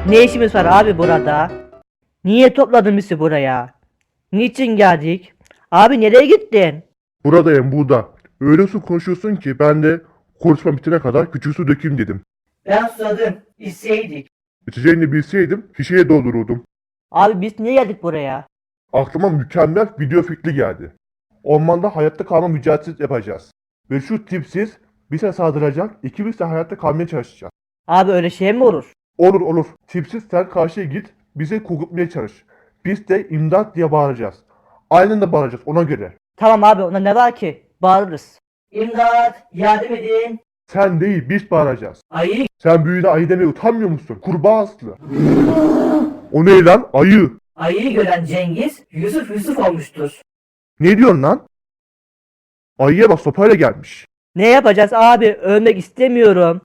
Ne işimiz var abi burada? Niye topladın bizi buraya? Niçin geldik? Abi nereye gittin? Buradayım burada. Öyle su konuşuyorsun ki ben de konuşma bitene kadar küçük su dökeyim dedim. Ben susadım. İçseydik. İçeceğini bilseydim şişeye doldururdum. Abi biz niye geldik buraya? Aklıma mükemmel video fikri geldi. Ormanda hayatta kalma mücadelesi yapacağız. Ve şu tipsiz bize saldıracak, ikimiz de hayatta kalmaya çalışacağız. Abi öyle şey mi olur? Olur olur. Tipsiz sen karşıya git, bize korkutmaya çalış. Biz de imdat diye bağıracağız. Aynen de bağıracağız ona göre. Tamam abi ona ne var ki? Bağırırız. İmdat! Yardım edin! Sen değil biz bağıracağız. Ayı! Sen büyüğüne ayı demeye utanmıyor musun? Kurbağa aslı. O ne lan? Ayı. Ayıyı gören Cengiz Yusuf olmuştur. Ne diyorsun lan? Ayıya bak sopayla gelmiş. Ne yapacağız abi? Ölmek istemiyorum.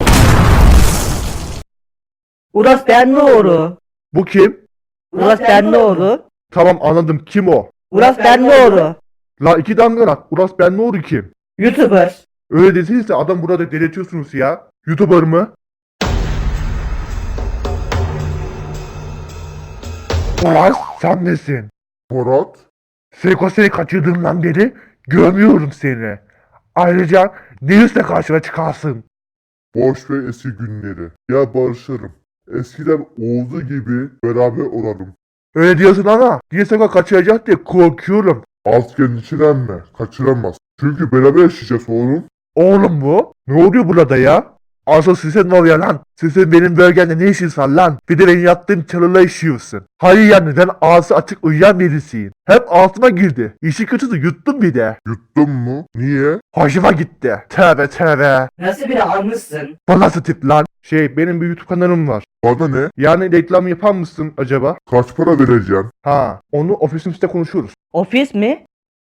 Uras Benlioğlu. Bu kim? Uras Benlioğlu. Tamam anladım kim o? Uras Benlioğlu. La iki dangalak. Uras ben ne oldu kim? YouTuber. Öyle desenize adam burada delirtiyorsunuz ya. YouTuber mı? Uras sen nesin? Murat? Seko seni kaçırdığımdan beri görmüyorum seni. Ayrıca ne yüzle karşıma çıkarsın? Boş ver eski günleri. Ya barışırım. Eskiden olduğu gibi beraber olalım. Öyle diyorsun ama diye Seko kaçıracak diye korkuyorum. Alt endişelenme. Kaçıramaz. Çünkü beraber yaşayacağız oğlum. Oğlum bu? Ne oluyor burada ya? Asıl size ne oluyor lan? Sizin benim bölgemde ne işiniz var lan? Bir de benim yattığım çalıla işiyorsun. Hayır yani ben ağzı açık uyuyan birisiyim. Hep altıma girdi. İşi kötüsü yuttum bir de. Yuttun mu? Niye? Hoşuma gitti. Tövbe tövbe. Nasıl biri almışsın? Bu nasıl tip lan? Benim bir YouTube kanalım var. Bana ne? Yani reklam yapar mısın acaba? Kaç para vereceksin? Ha, onu ofisimizde konuşuruz. Ofis mi?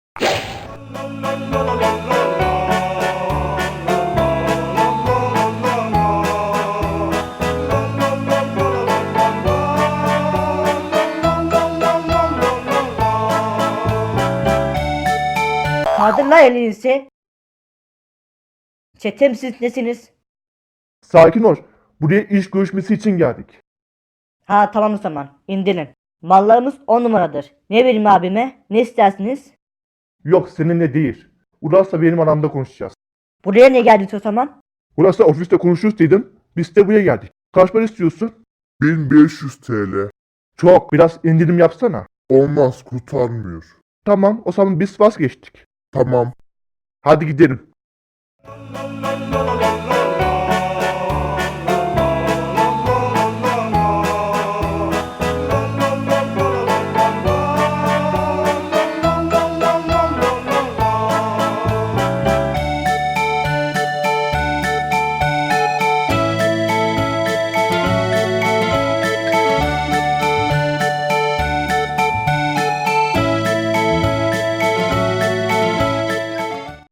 Kaldır lan elinizi. Çetem siz nesiniz? Sakin ol. Buraya iş görüşmesi için geldik. Ha tamam o zaman. İndirin. Mallarımız 10 numaradır. Ne vereyim abime? Ne istersiniz? Yok seninle değil. Uras'la benim aramda konuşacağız. Buraya ne geldiniz o zaman? Uras'la ofiste konuşuruz dedim. Biz de buraya geldik. Kaç para istiyorsun? 1500 TL. Çok. Biraz indirim yapsana. Olmaz kurtarmıyor. Tamam o zaman biz vazgeçtik. Tamam. Hadi gidelim.